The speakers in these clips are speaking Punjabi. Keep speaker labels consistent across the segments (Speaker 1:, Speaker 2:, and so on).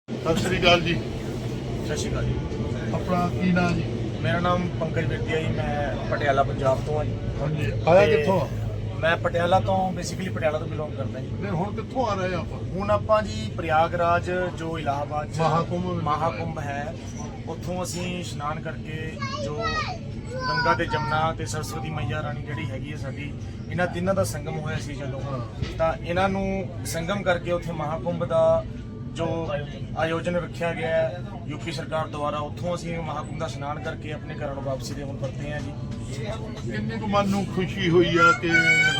Speaker 1: ਸਤਿ ਸ਼੍ਰੀ ਅਕਾਲ ਜੀ।
Speaker 2: ਸਤਿ ਸ਼੍ਰੀ ਅਕਾਲ ਜੀ।
Speaker 1: ਆਪਣਾ ਕੀ ਨਾਮ ਜੀ?
Speaker 2: ਮੇਰਾ ਨਾਮ ਪੰਕਜ ਵਿਰਦੀਆ ਜੀ। ਮੈਂ ਪਟਿਆਲਾ ਪੰਜਾਬ ਤੋਂ ਹਾਂ ਜੀ।
Speaker 1: ਹਾਂਜੀ, ਆਇਆ
Speaker 2: ਤੇ
Speaker 1: ਕਿੱਥੋਂ?
Speaker 2: ਮੈਂ ਪਟਿਆਲਾ ਤੋਂ ਬੇਸਿਕਲੀ ਪਟਿਆਲਾ ਤੋਂ ਬਿਲੋਂਗ ਕਰਦਾ ਜੀ।
Speaker 1: ਫਿਰ ਹੁਣ ਕਿੱਥੋਂ ਆ ਰਹੇ ਆਪਾਂ?
Speaker 2: ਹੁਣ ਆਪਾਂ ਜੀ ਪ੍ਰਯਾਗਰਾਜ ਜੋ ਇਲਾਹਾਬਾਦ 'ਚ
Speaker 1: ਮਹਾਕੁੰਭ
Speaker 2: ਹੈ, ਉੱਥੋਂ ਅਸੀਂ ਇਸ਼ਨਾਨ ਕਰਕੇ ਜੋ ਗੰਗਾ ਤੇ ਜਮਨਾ ਤੇ ਸਰਸਵਤੀ ਮਈਆ ਰਾਣੀ ਜਿਹੜੀ ਹੈਗੀ ਹੈ ਸਾਡੀ, ਇਹਨਾਂ ਤਿੰਨਾਂ ਦਾ ਸੰਗਮ ਹੋਇਆ ਸੀ ਜਦੋਂ, ਤਾਂ ਇਹਨਾਂ ਨੂੰ ਸੰਗਮ ਕਰਕੇ ਉੱਥੇ ਮਹਾਕੁੰਭ ਦਾ ਜੋ ਆਯੋਜਨ ਰੱਖਿਆ ਗਿਆ ਹੈ ਯੂਪੀ ਸਰਕਾਰ ਦੁਆਰਾ, ਉੱਥੋਂ ਅਸੀਂ ਮਹਾਕੁੰਭ ਦਾ ਇਸ਼ਨਾਨ ਕਰਕੇ ਆਪਣੇ ਘਰਾਂ ਨੂੰ ਵਾਪਸੀ ਦੇ ਹੁਣ ਪਰਤੇ ਹਾਂ ਜੀ।
Speaker 1: ਕਿੰਨੀ ਕੁ ਮਨ ਨੂੰ ਖੁਸ਼ੀ ਹੋਈ ਆ ਕਿ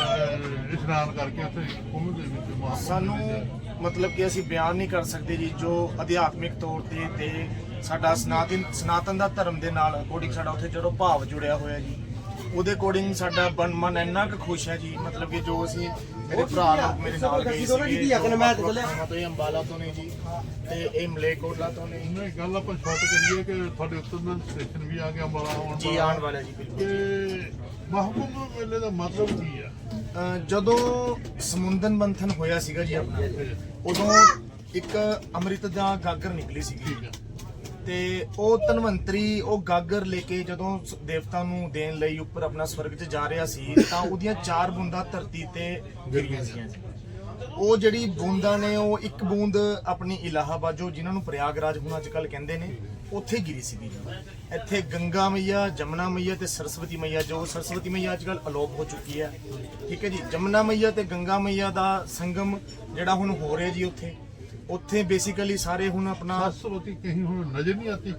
Speaker 1: ਇਸ਼ਨਾਨ ਕਰਕੇ ਉੱਥੇ ਕੁੰਭ ਦੇ ਵਿੱਚ ਮਹਾਕੁੰਭ
Speaker 2: ਸਾਨੂੰ ਮਤਲਬ ਕਿ ਅਸੀਂ ਬਿਆਨ ਨਹੀਂ ਕਰ ਸਕਦੇ ਜੀ। ਜੋ ਅਧਿਆਤਮਿਕ ਤੌਰ ਤੇ ਸਾਡਾ ਸਨਾਤਨ ਦਾ ਧਰਮ ਦੇ ਨਾਲ ਅਕੋਰਡਿੰਗ ਸਾਡਾ ਉੱਥੇ ਜਦੋਂ ਭਾਵ ਜੁੜਿਆ ਹੋਇਆ ਜੀ, ਉਹਦੇ ਅਕੋਰਡਿੰਗ ਸਾਡਾ ਮਨ ਇੰਨਾ ਕੁ ਖੁਸ਼ ਹੈ ਜੀ। ਮਤਲਬ ਕਿ ਜੋ ਅਸੀਂ ਮੇਰੇ ਭਰਾ ਲੋਕ ਮੇਰੇ ਨਾਲ ਗਏ ਸੀਗੇ, ਤੋਂ ਇਹ ਅੰਬਾਲਾ ਤੋਂ ਨੇ ਜੀ ਤੇ ਇਹ ਮਲੇਕੋਟਲਾ ਤੋਂ ਨੇ।
Speaker 1: ਨਹੀਂ, ਗੱਲ ਆਪਾਂ ਸ਼ਾਰਟ ਕਰੀਏ ਕਿ ਤੁਹਾਡੇ ਉੱਤਰ ਦਾ ਸਟੇਸ਼ਨ ਵੀ ਆ ਗਿਆ ਅੰਬਾਲਾ ਆਉਣ
Speaker 2: ਜੀ, ਆਉਣ ਵਾਲਾ ਜੀ ਬਿਲਕੁਲ।
Speaker 1: ਤੇ ਮਹਾਕੁੰਭ ਮੇਲੇ ਦਾ ਮਤਲਬ ਕੀ ਆ?
Speaker 2: ਜਦੋਂ ਸਮੁੰਦਰ ਮੰਥਨ ਹੋਇਆ ਸੀਗਾ ਜੀ ਆਪਣਾ, ਉਦੋਂ ਇੱਕ ਅੰਮ੍ਰਿਤ ਦਾ ਗਾਗਰ ਨਿਕਲੀ ਸੀਗੀ ਤੇ ਉਹ ਧਨਵੰਤਰੀ ਉਹ ਗਾਗਰ ਲੈ ਕੇ ਜਦੋਂ ਦੇਵਤਾ ਨੂੰ ਦੇਣ ਲਈ ਉੱਪਰ ਆਪਣਾ ਸਵਰਗ 'ਚ ਜਾ ਰਿਹਾ ਸੀ, ਤਾਂ ਉਹਦੀਆਂ 4 ਬੂੰਦਾਂ ਧਰਤੀ ਤੇ ਗਿਰੀਆਂ ਸੀ। ਉਹ ਜਿਹੜੀ ਬੂੰਦਾਂ ਨੇ, ਉਹ ਇੱਕ ਬੂੰਦ ਆਪਣੀ ਇਲਾਹਾਬਾਦ ਜੋ ਜਿਨ੍ਹਾਂ ਨੂੰ ਪ੍ਰਯਾਗਰਾਜ ਹੁਣ ਅੱਜ ਕੱਲ ਕਹਿੰਦੇ ਨੇ, ਉੱਥੇ ਗਿਰੀ ਸੀਗੀ। ਇੱਥੇ ਗੰਗਾ ਮਈਆ, ਜਮਨਾ ਮਈਆ ਤੇ ਸਰਸਵਤੀ ਮਈਆ, ਜੋ ਸਰਸਵਤੀ ਮਈਆ ਅੱਜ ਕੱਲ ਅਲੋਪ ਹੋ ਚੁੱਕੀ ਹੈ, ਠੀਕ ਹੈ ਜੀ। ਜਮਨਾ ਮਈਆ ਤੇ ਗੰਗਾ ਮਈਆ ਦਾ ਸੰਗਮ ਜਿਹੜਾ ਹੁਣ ਹੋ ਰਿਹਾ ਜੀ ਉੱਥੇ ਬੇਸਿਕਲੀ ਸਾਰੇ ਹੁਣ ਆਪਣਾ
Speaker 1: ਸਰਸਵਤੀ ਕਹੀਂ ਹੁਣ ਨਜ਼ਰ ਨਹੀਂ ਆਤੀ।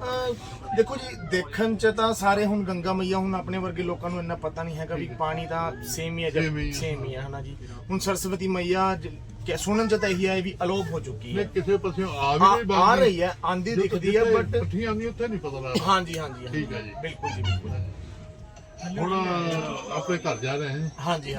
Speaker 2: ਦੇਖੋ ਜੀ, ਦੇਖਣ ਚ ਤਾਂ ਸਾਰੇ ਹੁਣ ਗੰਗਾ ਮਈਆ, ਹੁਣ ਆਪਣੇ ਵਰਗੇ ਲੋਕਾਂ ਨੂੰ ਇੰਨਾ ਪਤਾ ਨਹੀਂ ਹੈਗਾ ਵੀ ਪਾਣੀ ਤਾਂ ਸੇਮ ਹੀ ਹੈ, ਸੇਮ ਹੀ ਹੈ ਹਨਾ ਜੀ। ਹੁਣ ਸਰਸਵਤੀ ਮਈਆ ਸੁਣਨ ਚ ਤਾਂ ਇਹੀ ਹੈ ਵੀ ਅਲੋਪ ਹੋ ਚੁੱਕੀ ਹੈ।
Speaker 1: ਕਿਸੇ ਪਾਸੇ ਆ
Speaker 2: ਰਹੀ ਹੈ, ਆਂਦੀ ਦਿਖਦੀ ਹੈ, ਬਟ
Speaker 1: ਪੱਠੀ ਆਂਦੀ ਉੱਥੇ ਨਹੀਂ ਪਤਾ ਲੱਗਦਾ।
Speaker 2: ਹਾਂਜੀ,
Speaker 1: ਠੀਕ ਹੈ ਜੀ,
Speaker 2: ਬਿਲਕੁਲ ਜੀ, ਬਿਲਕੁਲ।
Speaker 1: ਹੁਣ ਆਪਣੇ ਘਰ ਜਾ ਰਹੇ ਹਾਂ।
Speaker 2: ਹਾਂਜੀ।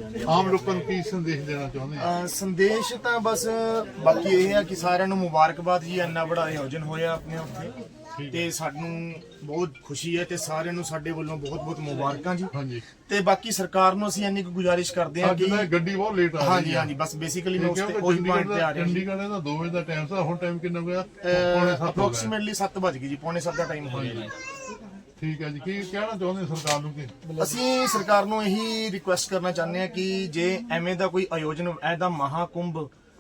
Speaker 1: ਆਮ ਲੋਕਾਂ ਨੂੰ ਕੀ ਸੰਦੇਸ਼ ਦੇਣਾ ਚਾਹੁੰਦੇ ਆ?
Speaker 2: ਸੰਦੇਸ਼ ਤਾਂ ਬਸ ਬਾਕੀ ਇਹ ਹੈ ਕਿ ਸਾਰਿਆਂ ਨੂੰ ਮੁਬਾਰਕਬਾਦ ਜੀ, ਇੰਨਾ ਬੜਾ ਆਯੋਜਨ ਹੋਇਆ ਆਪਣੇ ਉੱਥੇ ਤੇ ਸਾਨੂੰ ਬਹੁਤ ਖੁਸ਼ੀ ਹੈ ਤੇ ਸਾਰਿਆਂ ਨੂੰ ਸਾਡੇ ਵੱਲੋਂ ਬਹੁਤ ਮੁਬਾਰਕਾਂ ਜੀ।
Speaker 1: ਹਾਂਜੀ,
Speaker 2: ਤੇ ਬਾਕੀ ਸਰਕਾਰ ਨੂੰ ਅਸੀਂ ਇੰਨੀ ਕੁ ਗੁਜ਼ਾਰਿਸ਼ ਕਰਦੇ ਹਾਂ ਕਿ
Speaker 1: ਗੱਡੀ ਬਹੁਤ ਲੇਟ ਆ ਰਹੀ ਹੈ।
Speaker 2: ਹਾਂਜੀ, ਬਸ ਬੇਸਿਕਲੀ ਮੈਂ ਉਹੀ ਪੁਆਇੰਟ ਤੇ ਆ ਰਿਹਾ।
Speaker 1: ਚੰਡੀਗੜ੍ਹ ਦਾ 2 ਵਜੇ ਦਾ ਟਾਈਮ ਸੀ, ਹੁਣ ਟਾਈਮ ਕਿੰਨਾ ਹੋਇਆ?
Speaker 2: ਅਪਰੋਕਸੀਮੇਟਲੀ 7 ਵਜ ਗਏ ਜੀ, ਪੌਣੇ 7 ਦਾ ਟਾਈਮ ਹੋ ਗਿਆ ਜੀ।
Speaker 1: ਠੀਕ ਹੈ ਜੀ, ਕੀ ਕਹਿਣਾ ਚਾਹੁੰਦੇ ਸਰਕਾਰ ਨੂੰ? ਕਿ
Speaker 2: ਅਸੀਂ ਸਰਕਾਰ ਨੂੰ ਇਹੀ ਰਿਕੁਐਸਟ ਕਰਨਾ ਚਾਹੁੰਦੇ ਹਾਂ ਕਿ ਜੇ ਐਵੇਂ ਦਾ ਕੋਈ ਆਯੋਜਨ, ਐਦਾ ਮਹਾਕੁੰਭ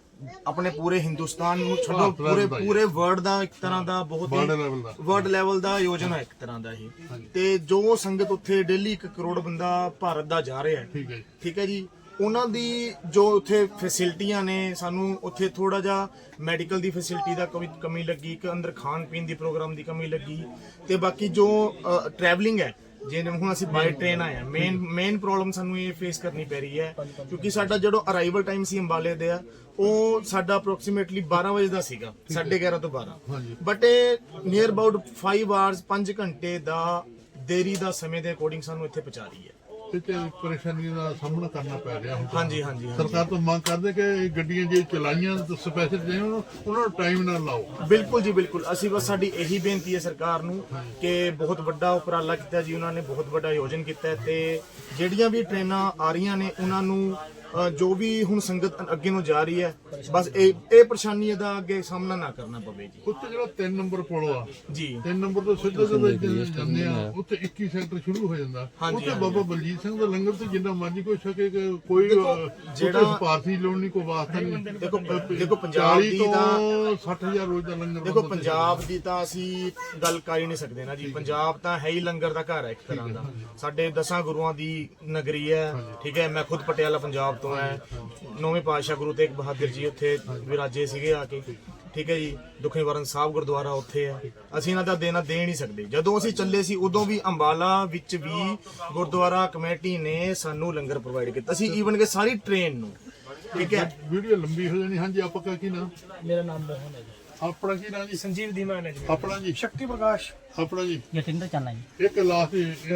Speaker 2: ਆਪਣੇ ਪੂਰੇ ਹਿੰਦੁਸਤਾਨ ਨੂੰ ਛੱਡੋ, ਪੂਰੇ ਵਰਲਡ ਦਾ ਇੱਕ ਤਰ੍ਹਾਂ ਦਾ ਬਹੁਤ ਵਰਲਡ ਲੈਵਲ ਦਾ ਆਯੋਜਨ ਹੈ ਇੱਕ ਤਰ੍ਹਾਂ ਦਾ ਇਹ, ਤੇ ਜੋ ਸੰਗਤ ਉੱਥੇ ਡੇਲੀ 1 ਕਰੋੜ ਬੰਦਾ ਭਾਰਤ ਦਾ ਜਾ ਰਿਹਾ ਹੈ, ਠੀਕ ਹੈ ਜੀ। ਉਹਨਾਂ ਦੀ ਜੋ ਉੱਥੇ ਫੈਸਿਲਿਟੀਆਂ ਨੇ, ਸਾਨੂੰ ਉੱਥੇ ਥੋੜਾ ਜਿਹਾ ਮੈਡੀਕਲ ਦੀ ਫੈਸਿਲਿਟੀ ਦਾ ਕਮੀ ਲੱਗੀ, ਇੱਕ ਅੰਦਰ ਖਾਣ ਪੀਣ ਦੀ ਪ੍ਰੋਗਰਾਮ ਦੀ ਕਮੀ ਲੱਗੀ, ਤੇ ਬਾਕੀ ਜੋ ਟਰੈਵਲਿੰਗ ਹੈ, ਜਿਵੇਂ ਹੁਣ ਅਸੀਂ ਬਾਈ ਟ੍ਰੇਨ ਆਏ ਆ, ਮੇਨ ਪ੍ਰੋਬਲਮ ਸਾਨੂੰ ਇਹ ਫੇਸ ਕਰਨੀ ਪੈ ਰਹੀ ਹੈ ਕਿਉਂਕਿ ਸਾਡਾ ਜਿਹੜਾ ਅਰਾਈਵਲ ਟਾਈਮ ਸੀ ਅੰਬਾਲੇ ਦੇ ਉਹ ਸਾਡਾ ਅਪਰੋਕਸੀਮੇਟਲੀ 12 ਵਜੇ ਦਾ ਸੀਗਾ, 11:30 ਤੋਂ 12, ਬਟ ਇਹ ਨੀਅਰ ਅਬਾਊਟ 5 ਆਵਰਸ 5 ਘੰਟੇ ਦਾ ਦੇਰੀ ਦਾ ਸਮੇਂ ਦੇ ਅਕੋਰਡਿੰਗ ਸਾਨੂੰ ਇੱਥੇ ਪਹੁੰਚਾ ਰਹੀ ਹੈ।
Speaker 1: ਤੇ ਪਰੇਸ਼ਾਨੀ ਦਾ ਸਾਹਮਣਾ ਕਰਨਾ ਪੈ ਰਿਹਾ ਹੁਣ।
Speaker 2: ਹਾਂਜੀ।
Speaker 1: ਸਰਕਾਰ ਤੋਂ ਮੰਗ ਕਰਦੇ ਕਿ ਗੱਡੀਆਂ ਜੇ ਚਲਾਈਆਂ ਸਪੈਸ਼ਲ ਜੇ ਉਹਨਾਂ ਨੂੰ ਟਾਈਮ ਨਾਲ ਲਾਓ।
Speaker 2: ਬਿਲਕੁਲ ਜੀ, ਬਿਲਕੁਲ। ਅਸੀਂ ਬਸ ਸਾਡੀ ਇਹੀ ਬੇਨਤੀ ਹੈ ਸਰਕਾਰ ਨੂੰ ਕਿ ਬਹੁਤ ਵੱਡਾ ਉਪਰਾਲਾ ਕੀਤਾ ਜੀ ਉਹਨਾਂ ਨੇ, ਬਹੁਤ ਵੱਡਾ ਆਯੋਜਨ ਕੀਤਾ ਤੇ ਜਿਹੜੀਆਂ ਵੀ ਟ੍ਰੇਨਾਂ ਆ ਰਹੀਆਂ ਨੇ ਉਹਨਾਂ ਨੂੰ ਜੋ ਵੀ ਹੁਣ ਸੰਗਤ ਅੱਗੇ ਨੂੰ ਜਾ ਰਹੀ ਹੈ, ਬਸ ਇਹ ਪਰੇਸ਼ਾਨੀ ਦਾ ਅੱਗੇ ਸਾਹਮਣਾ ਨਾ ਕਰਨਾ ਪਵੇ ਜੀ।
Speaker 1: ਉੱਥੇ ਜਿਹੜਾ 3 ਨੰਬਰ ਪੁਲ ਆ ਜੀ, 3 ਨੰਬਰ ਤੋਂ ਸਿੱਧਾ ਜਾਂਦੇ ਆ, ਉੱਥੇ 21 ਸੈਕਟਰ ਸ਼ੁਰੂ ਹੋ ਜਾਂਦਾ। ਉੱਥੇ ਬਾਬਾ ਬਲਜੀਤ ਸਿੰਘ ਦਾ ਲੰਗਰ ਤੇ ਜਿੰਨਾ ਮਰਜ਼ੀ ਕੋਈ ਸਕੇ, ਕੋਈ ਜਿਹੜਾ ਸਪਾਰਸ਼ੀ ਲੋੜ ਨਹੀਂ, ਕੋਈ ਵਾਸਤਾ ਨਹੀਂ।
Speaker 2: ਦੇਖੋ ਪੰਜਾਬ ਦੀ ਤਾਂ
Speaker 1: 60,000 ਰੋਜ਼ ਦਾ ਲੰਗਰ।
Speaker 2: ਦੇਖੋ ਪੰਜਾਬ ਦੀ ਤਾਂ ਅਸੀਂ ਗੱਲ ਕਰ ਹੀ ਨਹੀਂ ਸਕਦੇ ਨਾ ਜੀ। ਪੰਜਾਬ ਤਾਂ ਹੈ ਹੀ ਲੰਗਰ ਦਾ ਘਰ ਹੈ ਇੱਕ ਤਰ੍ਹਾਂ ਦਾ, ਸਾਡੇ 10 ਗੁਰੂਆਂ ਦੀ ਨਗਰੀ ਹੈ, ਠੀਕ ਹੈ। ਮੈਂ ਖੁਦ ਪਟਿਆਲਾ ਪੰਜਾਬ ਤੋਂ ਹੈ, 9ਵੇਂ ਪਾਤਸ਼ਾਹ ਗੁਰੂ ਤੇਗ ਬਹਾਦਰ ਜੀ ਉੱਥੇ ਵਿਰਾਜੇ ਸੀਗੇ ਆ ਕੇ, ਠੀਕ ਹੈ ਜੀ। ਦੁਖੀ ਵਰਨ ਸਾਹਿਬ ਗੁਰਦੁਆਰਾ ਉੱਥੇ ਹੈ, ਅਸੀਂ ਇਹਨਾਂ ਦਾ ਦੇਣਾ ਦੇ ਨਹੀਂ ਸਕਦੇ। ਜਦੋਂ ਅਸੀਂ ਚੱਲੇ ਸੀ ਉਦੋਂ ਵੀ ਅੰਬਾਲਾ ਵਿੱਚ ਵੀ ਗੁਰਦੁਆਰਾ ਕਮੇਟੀ ਨੇ ਸਾਨੂੰ ਲੰਗਰ ਪ੍ਰੋਵਾਈਡ ਕੀਤਾ ਸੀ, ਈਵਨ ਕਿ ਸਾਰੀ ਟ੍ਰੇਨ ਨੂੰ, ਠੀਕ ਹੈ।
Speaker 1: ਵੀਡੀਓ ਲੰਬੀ ਹੋ ਜਾਣੀ। ਹਾਂਜੀ, ਆਪਕਾ ਕੀ ਨਾਮ?
Speaker 3: ਮੇਰਾ ਨਾਮ ਮੋਹਨ ਹੈ ਜੀ।
Speaker 1: ਆਪਣਾ ਕੀ ਨਾਮ ਜੀ?
Speaker 3: ਸੰਜੀਵ ਦੀਮਾਨ ਹੈ ਜੀ।
Speaker 1: ਆਪਣਾ ਜੀ?
Speaker 3: ਸ਼ਕਤੀ ਪ੍ਰਕਾਸ਼।
Speaker 1: ਆਪਣਾ ਜੀ?
Speaker 3: ਜਤਿੰਦਰ ਚਾਨਾ ਜੀ।
Speaker 1: ਇੱਕ ਲਾਸਟ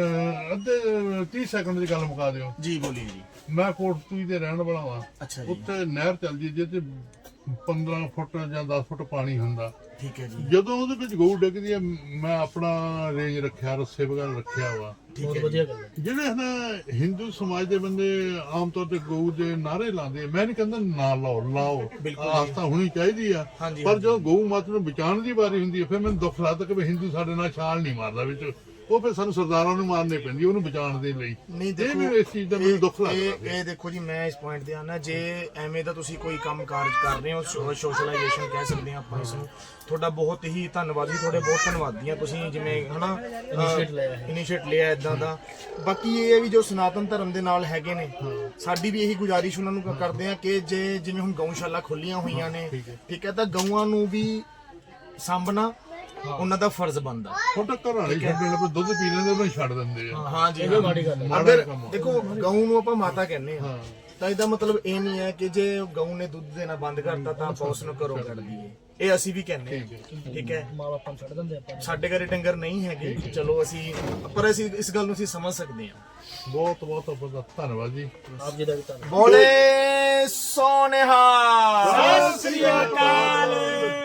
Speaker 1: ਅੱਧੇ 30 ਸੈਕਿੰਡ ਦੀ ਗੱਲ ਮੁਕਾ ਦਿਓ
Speaker 2: ਜੀ। ਬੋਲੀਏ ਜੀ।
Speaker 1: ਮੈਂ ਕੋਟਪੁਰੀ ਦੇ ਰਹਿਣ ਵਾਲਾ ਵਾਂ।
Speaker 2: ਅੱਛਾ ਜੀ।
Speaker 1: ਉੱਥੇ ਨਹਿਰ ਚੱਲਦੀ ਜਿਹਦੇ 15 ਫੁੱਟ ਜਾਂ 10 ਫੁੱਟ ਪਾਣੀ ਹੁੰਦਾ।
Speaker 2: ਠੀਕ ਹੈ ਜੀ,
Speaker 1: ਜਦੋਂ ਉਹਦੇ ਵਿੱਚ ਗਊ ਡਿੱਗਦੀ ਆ, ਮੈਂ ਆਪਣਾ ਰੇਂਜ ਰੱਖਿਆ, ਰੱਸੇ ਵਗੈਰਾ ਰੱਖਿਆ ਵਾ।
Speaker 3: ਬਹੁਤ ਵਧੀਆ ਗੱਲ ਹੈ।
Speaker 1: ਜਿਹੜੇ ਨਾ ਹਿੰਦੂ ਸਮਾਜ ਦੇ ਬੰਦੇ ਆਮ ਤੌਰ ਤੇ ਗਊ ਦੇ ਨਾਅਰੇ ਲਾਉਂਦੇ, ਮੈਂ ਨਹੀਂ ਕਹਿੰਦਾ ਨਾ ਲਾਓ, ਆਸਥਾ ਹੋਣੀ ਚਾਹੀਦੀ ਆ, ਪਰ ਜਦੋਂ ਗਊ ਮਾਤਾ ਨੂੰ ਬਚਾਉਣ ਦੀ ਵਾਰੀ ਹੁੰਦੀ ਹੈ, ਫਿਰ ਮੈਨੂੰ ਦੁੱਖ ਲੱਗਦਾ ਕਿ ਵੀ ਹਿੰਦੂ ਸਾਡੇ ਨਾਲ ਛਾਲ ਨਹੀਂ ਮਾਰਦਾ ਵਿੱਚ, ਉਹ ਫਿਰ ਸਾਨੂੰ ਸਰਦਾਰਾਂ ਨੂੰ ਮਾਰਨੇ ਪੈਂਦੀ ਉਹਨੂੰ ਬਚਾਉਣ ਦੇ ਲਈ।
Speaker 2: ਨਹੀਂ
Speaker 1: ਇਹ
Speaker 2: ਦੇਖੋ,
Speaker 1: ਵੀ ਇਸ ਚੀਜ਼ ਦਾ ਮੈਨੂੰ ਦੁੱਖ ਲੱਗਦਾ।
Speaker 2: ਇਹ ਦੇਖੋ ਜੀ, ਮੈਂ ਇਸ ਪੁਆਇੰਟ ਤੇ ਆਣਾ, ਜੇ ਐਵੇਂ ਦਾ ਤੁਸੀਂ ਕੋਈ ਕੰਮ ਕਾਰਜ ਕਰ ਰਹੇ ਹੋ, ਸੋਸ਼ਲਾਈਜੇਸ਼ਨ ਕਹਿ ਸਕਦੇ ਹਾਂ ਆਪਾਂ ਇਸ ਨੂੰ, ਤੁਹਾਡਾ ਬਹੁਤ ਹੀ ਧੰਨਵਾਦੀ, ਤੁਹਾਡੇ ਬਹੁਤ ਧੰਨਵਾਦੀ ਆ ਤੁਸੀਂ, ਜਿਵੇਂ ਹਨਾ ਇਨੀਸ਼ੀਏਟ ਲਿਆ ਇਦਾਂ ਦਾ। ਬਾਕੀ ਇਹ ਹੈ ਵੀ ਜੋ ਸਨਾਤਨ ਧਰਮ ਦੇ ਨਾਲ ਹੈਗੇ ਨੇ, ਸਾਡੀ ਵੀ ਇਹੀ ਗੁਜ਼ਾਰਿਸ਼ ਉਹਨਾਂ ਨੂੰ ਕਰਦੇ ਆ ਕਿ ਜੇ ਜਿਵੇਂ ਹੁਣ ਗਊਸ਼ਾਲਾ ਖੋਲੀਆਂ ਹੋਈਆਂ ਨੇ, ਠੀਕ ਹੈ, ਤਾਂ ਗਊਆਂ ਨੂੰ ਵੀ ਸਾਂਭਣਾ ਉਹਨਾਂ ਦਾ ਫਰਜ਼ ਬਣਦਾ।
Speaker 1: ਛੋਟਾ ਘਰ ਵਾਲੇ ਛੱਡਣ ਪੇ ਦੁੱਧ ਪੀ ਲੈਂਦੇ ਮੈਂ ਛੱਡ ਦਿੰਦੇ ਆ।
Speaker 2: ਹਾਂ ਜੀ, ਅਗਰ ਦੇਖੋ ਗਊ ਨੂੰ ਆਪਾਂ ਮਾਤਾ ਕਹਿੰਦੇ ਆ, ਤਾਂ ਇਹਦਾ ਮਤਲਬ ਇਹ ਨਹੀਂ ਹੈ ਕਿ ਜੇ ਗਊ ਨੇ ਦੁੱਧ ਦੇਣਾ ਬੰਦ ਕਰਤਾ ਤਾਂ ਆਪਾਂ ਉਸ ਨੂੰ ਘਰੋਂ ਕੱਢ ਦਈਏ, ਇਹ ਅਸੀਂ ਵੀ ਕਹਿੰਦੇ ਹਾਂ। ਠੀਕ ਹੈ,
Speaker 3: ਮਾਂ-ਬਾਪ ਛੱਡ ਦਿੰਦੇ ਆਪਾਂ।
Speaker 2: ਸਾਡੇ ਘਰੇ ਡੰਗਰ ਨਹੀਂ ਹੈਗੇ, ਚਲੋ ਪਰ ਅਸੀਂ ਇਸ ਗੱਲ ਨੂੰ ਅਸੀਂ ਸਮਝ ਸਕਦੇ ਹਾਂ।
Speaker 1: ਬਹੁਤ ਬਹੁਤ ਬਹੁਤ ਧੰਨਵਾਦ ਜੀ।
Speaker 3: ਆਪ ਜੀ ਦਾ ਵੀ ਧੰਨਵਾਦ।
Speaker 2: ਬੋਲੇ ਸੋਨੇਹਾ, ਸਤਿ ਸ੍ਰੀ ਅਕਾਲ,